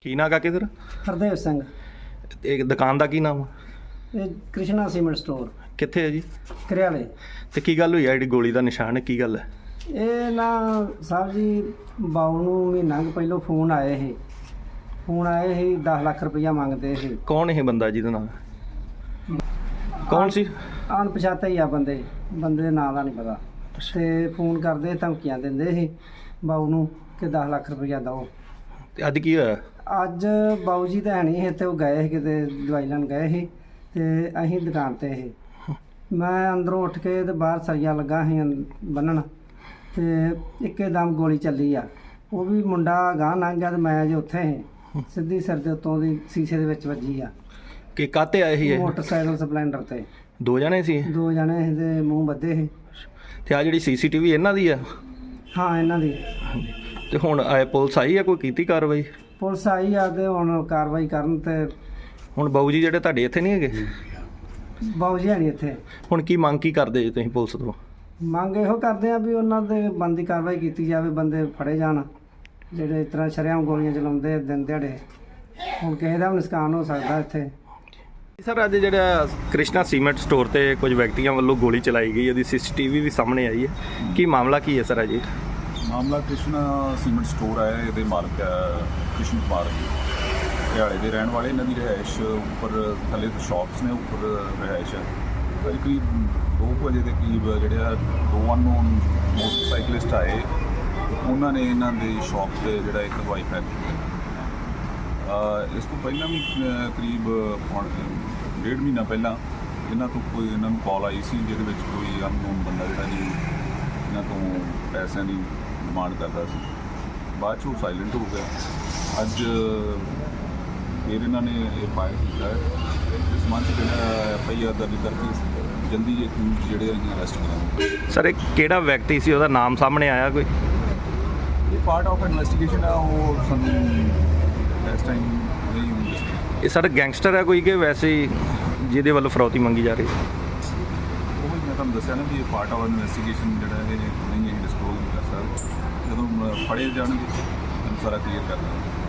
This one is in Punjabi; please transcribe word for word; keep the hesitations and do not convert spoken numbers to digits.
ਕੀ ਨਾਂ ਕਾਕੇ ਤੇਰਾ? ਹਰਦੇਵ ਸਿੰਘ। ਇਹ ਦੁਕਾਨ ਦਾ ਕੀ ਨਾਮ ਆ? ਇਹ ਕ੍ਰਿਸ਼ਨਾ ਸੀਮੈਂਟ ਸਟੋਰ ਕਿੱਥੇ ਹੈ ਜੀ? ਕਰਿਆਲੇ। ਤੇ ਕੀ ਗੱਲ ਹੋਈ ਆ ਜਿਹੜੀ ਗੋਲੀ ਦਾ ਨਿਸ਼ਾਨ ਹੈ, ਕੀ ਗੱਲ ਹੈ? ਇਹ ਨਾ ਸਾਹਿਬ ਜੀ ਬਾਊ ਨੂੰ ਮਹੀਨਾ ਕੁ ਪਹਿਲੋਂ ਫੋਨ ਆਏ ਸੀ ਫੋਨ ਆਏ ਸੀ ਦਸ ਲੱਖ ਰੁਪਈਆ ਮੰਗਦੇ ਸੀ। ਕੌਣ ਇਹ ਬੰਦਾ ਜਿਹਦੇ ਨਾਲ? ਕੌਣ ਸੀ? ਅਣਪਛਾਤੇ ਹੀ ਆ ਬੰਦੇ ਬੰਦੇ ਦੇ ਨਾਂ ਦਾ ਨਹੀਂ ਪਤਾ। ਤੇ ਫੋਨ ਕਰਦੇ ਧਮਕੀਆਂ ਦਿੰਦੇ ਸੀ ਬਾਊ ਨੂੰ ਕਿ ਦਸ ਲੱਖ ਰੁਪਈਆ ਦਿਓ। ਤੇ ਅੱਜ ਕੀ ਹੋਇਆ? ਅੱਜ ਬਾਊ ਜੀ ਤਾਂ ਹੈ ਨਹੀਂ ਸੀ ਤੇ ਉਹ ਗਏ ਸੀ ਕਿਤੇ ਦਵਾਈ ਲੈਣ ਗਏ ਸੀ ਤੇ ਅਸੀਂ ਦੁਕਾਨ ਤੇ ਸੀ। ਮੈਂ ਅੰਦਰੋਂ ਉੱਠ ਕੇ ਤੇ ਬਾਹਰ ਸਰੀਆ ਲੱਗਾ ਸੀ ਬੰਨਣ ਤੇ ਇੱਕੇ ਦਮ ਗੋਲੀ ਚੱਲੀ ਆ। ਉਹ ਵੀ ਮੁੰਡਾ ਗਾਂਹ ਲੰਘ ਗਿਆ ਤੇ ਮੈਂ ਜੇ ਉੱਥੇ ਸੀ ਸਿੱਧੀ ਸਿਰ ਦੇ ਉੱਤੋਂ ਦੀ ਸ਼ੀਸ਼ੇ ਦੇ ਵਿੱਚ ਵੱਜੀ ਆ। ਕਿ ਕਾਤੇ ਆਏ ਸੀ ਇਹ? ਮੋਟਰਸਾਈਕਲ ਸਪਲੈਂਡਰ ਤੇ ਦੋ ਜਣੇ ਸੀ? ਦੋ ਜਣੇ ਸੀ ਤੇ ਮੂੰਹ ਬੱਧੇ ਸੀ। ਤੇ ਆ ਜਿਹੜੀ ਸੀਸੀਟੀਵੀ ਇਹਨਾਂ ਦੀ ਆ? ਹਾਂ ਇਹਨਾਂ ਦੀ। ਤੇ ਹੁਣ ਆਏ ਪੁਲਿਸ ਆਈ ਆ, ਕੋਈ ਕੀਤੀ ਕਾਰਵਾਈ? ਪੁਲਿਸ ਆਈ ਆ ਤੇ ਹੁਣ ਕਾਰਵਾਈ ਕਰਨ ਤੇ ਹੁਣ ਬਾਊ ਜੀ ਜਿਹੜੇ ਤੁਹਾਡੇ ਇੱਥੇ ਨਹੀਂ ਹੈਗੇ? ਬਾਊ ਜੀ ਹੈ ਨਹੀਂ ਇੱਥੇ। ਹੁਣ ਕੀ ਮੰਗ ਕੀ ਕਰਦੇ ਜੀ ਤੁਸੀਂ ਪੁਲਿਸ ਤੋਂ? ਮੰਗ ਇਹੋ ਕਰਦੇ ਆ ਵੀ ਉਹਨਾਂ ਦੇ ਬਣਦੀ ਕਾਰਵਾਈ ਕੀਤੀ ਜਾਵੇ, ਬੰਦੇ ਫੜੇ ਜਾਣ ਜਿਹੜੇ ਇਸ ਤਰ੍ਹਾਂ ਸ਼ਰੇਆਮ ਗੋਲੀਆਂ ਚਲਾਉਂਦੇ ਦਿਨ ਦਿਹਾੜੇ। ਹੁਣ ਕਿਸੇ ਦਾ ਵੀ ਨੁਕਸਾਨ ਹੋ ਸਕਦਾ ਇੱਥੇ। ਸਰ ਅੱਜ ਜਿਹੜਾ ਕ੍ਰਿਸ਼ਨਾ ਸੀਮੈਂਟ ਸਟੋਰ ਤੇ ਕੁਝ ਵਿਅਕਤੀਆਂ ਵੱਲੋਂ ਗੋਲੀ ਚਲਾਈ ਗਈ, ਉਹਦੀ ਸੀਸੀਟੀਵੀ ਵੀ ਸਾਹਮਣੇ ਆਈ ਹੈ, ਕੀ ਮਾਮਲਾ ਕੀ ਹੈ ਸਰ? ਅਜੇ ਮਾਮਲਾ ਕ੍ਰਿਸ਼ਨਾ ਸੀਮੈਂਟ ਸਟੋਰ ਹੈ, ਇਹਦੇ ਮਾਲਕ ਹੈ ਕ੍ਰਿਸ਼ਨ ਕੁਮਾਰ ਜੀ, ਹਰਿਆਣੇ ਦੇ ਰਹਿਣ ਵਾਲੇ। ਇਹਨਾਂ ਦੀ ਰਿਹਾਇਸ਼ ਉੱਪਰ ਥੱਲੇ ਸ਼ਾਪਸ ਨੇ, ਉੱਪਰ ਰਿਹਾਇਸ਼ ਹੈ। ਅੱਜ ਕਰੀਬ ਦੋ ਕੁ ਵਜੇ ਦੇ ਕਰੀਬ ਜਿਹੜੇ ਆ ਦੋ ਅਨਨੋਨ ਮੋਟਰਸਾਈਕਲਿਸਟ ਆਏ, ਉਹਨਾਂ ਨੇ ਇਹਨਾਂ ਦੇ ਸ਼ਾਪ 'ਤੇ ਜਿਹੜਾ ਇੱਕ ਦਵਾਈ ਫੈਕ ਕੀਤੀ। ਇਸ ਤੋਂ ਪਹਿਲਾਂ ਵੀ ਕਰੀਬ ਡੇਢ ਮਹੀਨਾ ਪਹਿਲਾਂ ਇਹਨਾਂ ਤੋਂ ਕੋਈ ਇਹਨਾਂ ਨੂੰ ਕਾਲ ਆਈ ਸੀ ਜਿਹਦੇ ਵਿੱਚ ਕੋਈ ਅਨਨੋਨ ਬੰਦਾ ਜਿਹੜਾ ਜੀ ਇਹਨਾਂ ਤੋਂ ਪੈਸਿਆਂ ਦੀ ਡਿਮਾਂਡ ਕਰਦਾ ਸੀ। ਬਾਅਦ 'ਚ ਉਹ ਸਾਇਲੈਂਟ ਹੋ ਗਿਆ। ਅੱਜ ਫਿਰ ਇਹਨਾਂ ਨੇ ਇਹ ਫਾਇਰ ਕੀਤਾ ਹੈ। ਇਸ ਸੰਬੰਧ 'ਚ ਜਿਹੜਾ ਐਫ ਆਈ ਆਰ ਦਰਜ ਕਰਕੇ ਜਲਦੀ ਇਹ ਜਿਹੜੇ ਅਸੀਂ ਅਰੈਸਟ ਕਰਾਂਗੇ। ਸਰ ਇਹ ਕਿਹੜਾ ਵਿਅਕਤੀ ਸੀ, ਉਹਦਾ ਨਾਮ ਸਾਹਮਣੇ ਆਇਆ ਕੋਈ? ਇਹ ਪਾਰਟ ਆਫ ਇਨਵੈਸਟੀਗੇਸ਼ਨ ਆ, ਉਹ ਸਾਨੂੰ ਇਸ ਟਾਈਮ ਨਹੀਂ। ਇਹ ਸਰ ਗੈਂਗਸਟਰ ਹੈ ਕੋਈ ਕਿ ਵੈਸੇ ਹੀ ਜਿਹਦੇ ਵੱਲੋਂ ਫਰੌਤੀ ਮੰਗੀ ਜਾ ਰਹੀ? ਉਹ ਮੈਂ ਤੁਹਾਨੂੰ ਦੱਸਿਆ ਨਾ ਵੀ ਇਹ ਪਾਰਟ ਆਫ ਇਨਵੈਸਟੀਗੇਸ਼ਨ ਜਿਹੜਾ ਇਹ ਨਹੀਂ ਅਸੀਂ ਡਿਸਕਲੋਜ਼ ਨਹੀਂ ਕਰ ਸਕਦੇ। ਜਦੋਂ ਫੜੇ ਜਾਣਗੇ ਤੁਹਾਨੂੰ ਸਾਰਾ ਕਲੀਅਰ ਕਰ ਦਾਂਗੇ।